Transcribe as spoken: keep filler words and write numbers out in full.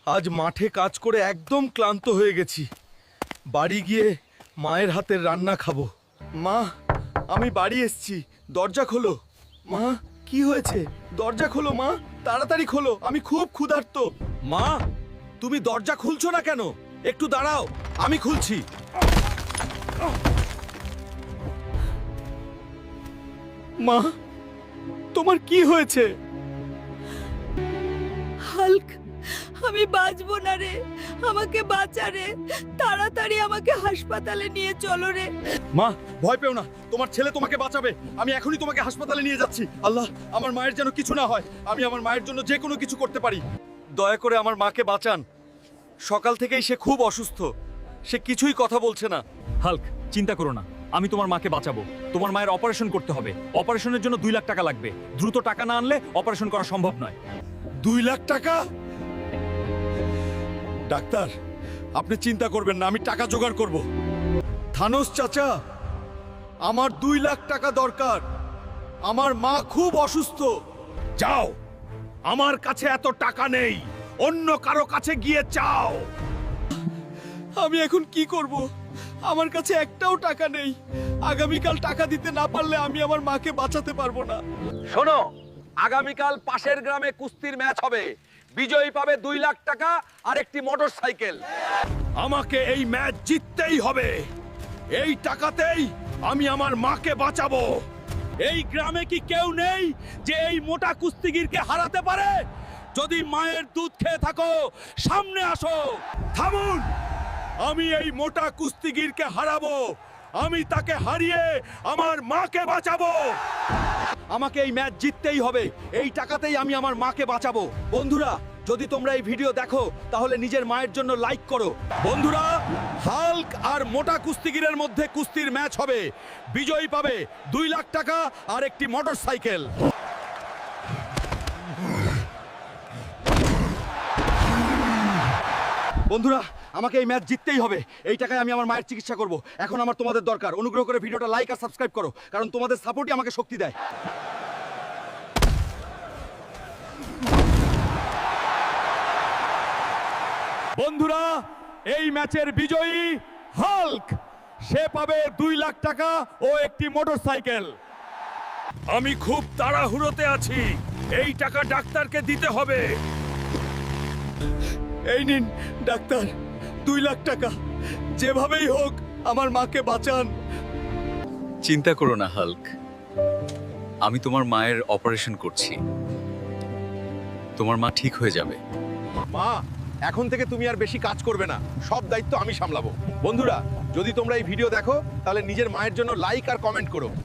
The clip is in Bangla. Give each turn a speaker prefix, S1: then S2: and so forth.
S1: আজ মাঠে কাজ করে একদম ক্লান্ত হয়ে গেছি। বাড়ি গিয়ে মায়ের হাতের রান্না খাবো। মা, আমি বাড়ি এসেছি, দরজা খোলো। মা, কি হয়েছে? দরজা খোলো মা, তাড়াতাড়ি খোলো, আমি খুব ক্ষুধার্ত। মা, তুমি দরজা খুলছো না কেন? একটু দাঁড়াও, আমি খুলছি। মা, তোমার কি হয়েছে?
S2: হাল্ক, আমি বাঁচবো না রে, আমাকে বাঁচা রে, তাড়াতাড়ি আমাকে হাসপাতালে নিয়ে চলো রে।
S1: মা, ভয় পেও না, তোমার ছেলে তোমাকে বাঁচাবে। আমি এখনই তোমাকে হাসপাতালে নিয়ে যাচ্ছি। আল্লাহ, আমার মায়ের যেন কিছু না হয়। আমি আমার মায়ের জন্য যে কোনো কিছু করতে পারি। দয়া করে আমার মাকে বাঁচান। সকাল থেকেই সে খুব অসুস্থ, সে কিছুই কথা বলছে না।
S3: হাল্ক, চিন্তা করো না, আমি তোমার মাকে বাঁচাবো। তোমার মায়ের অপারেশন করতে হবে, অপারেশনের জন্য দুই লাখ টাকা লাগবে। দ্রুত টাকা না আনলে অপারেশন করা সম্ভব নয়।
S1: দুই লাখ টাকা? ডাক্তার, আপনি চিন্তা করবেন না, আমি টাকা জোগাড় করব। থানোস চাচা, আমার দুই লাখ টাকা দরকার। আমার মা খুব অসুস্থ। যাও, আমার কাছে এত টাকা নেই, অন্য কারো কাছে গিয়ে চাও। আমি এখন কি করব? আমার কাছে একটাও টাকা নেই। আগামীকাল টাকা দিতে না পারলে আমি আমার মাকে বাঁচাতে পারবো না।
S4: শোনো, আগামীকাল পাশের গ্রামে কুস্তির ম্যাচ হবে। বিজয়ী পাবে দুই লাখ টাকা আর একটি মোটর সাইকেল।
S1: আমাকে এই ম্যাচ জিততেই হবে। এই টাকাতেই আমি আমার মাকে বাঁচাবো। এই গ্রামে কি কেউ নেই যে এই মোটা কুস্তিগিরকে হারাতে পারে? যদি মায়ের দুধ খেয়ে থাকো, সামনে আসো। থামুন, আমি এই মোটা কুস্তিগিরকে হারাবো। আমি তাকে হারিয়ে আমার মাকে বাঁচাবো। আমাকে এই ম্যাচ জিততেই হবে। এই টাকাতেই আমি আমার মাকে বাঁচাবো। বন্ধুরা, যদি তোমরা এই ভিডিও দেখো তাহলে নিজের মায়ের জন্য লাইক করো। বন্ধুরা, হাল্ক আর মোটা কুস্তিগিরের মধ্যে কুস্তির ম্যাচ হবে। বিজয়ী পাবে দুই লাখ টাকা আর একটি মোটর সাইকেল। বন্ধুরা, আমাকে এই ম্যাচ জিততেই হবে। এই টাকায় আমি আমার মায়ের চিকিৎসা করব। এখন আমার তোমাদের দরকার। অনুগ্রহ করে ভিডিওটা লাইক আর সাবস্ক্রাইব করো, কারণ তোমাদের সাপোর্টই আমাকে শক্তি দেয়। বন্ধুরা, এই ম্যাচের বিজয়ী হাল্ক। সে পাবে দুই লাখ টাকা ও একটি মোটরসাইকেল। আমি খুব তাড়াহুড়োতে আছি, এই টাকা ডাক্তারকে দিতে হবে। এই নিন ডাক্তার, দুই লাখ টাকা। যেভাবেই হোক আমার মাকে বাঁচান।
S5: চিন্তা করো না হাল্ক, আমি তোমার মায়ের অপারেশন করছি। তোমার মা ঠিক হয়ে যাবে।
S1: মা, এখন থেকে তুমি আর বেশি কাজ করবে না, সব দায়িত্ব আমি সামলাবো। বন্ধুরা, যদি তোমরা এই ভিডিও দেখো তাহলে নিজের মায়ের জন্য লাইক আর কমেন্ট করো।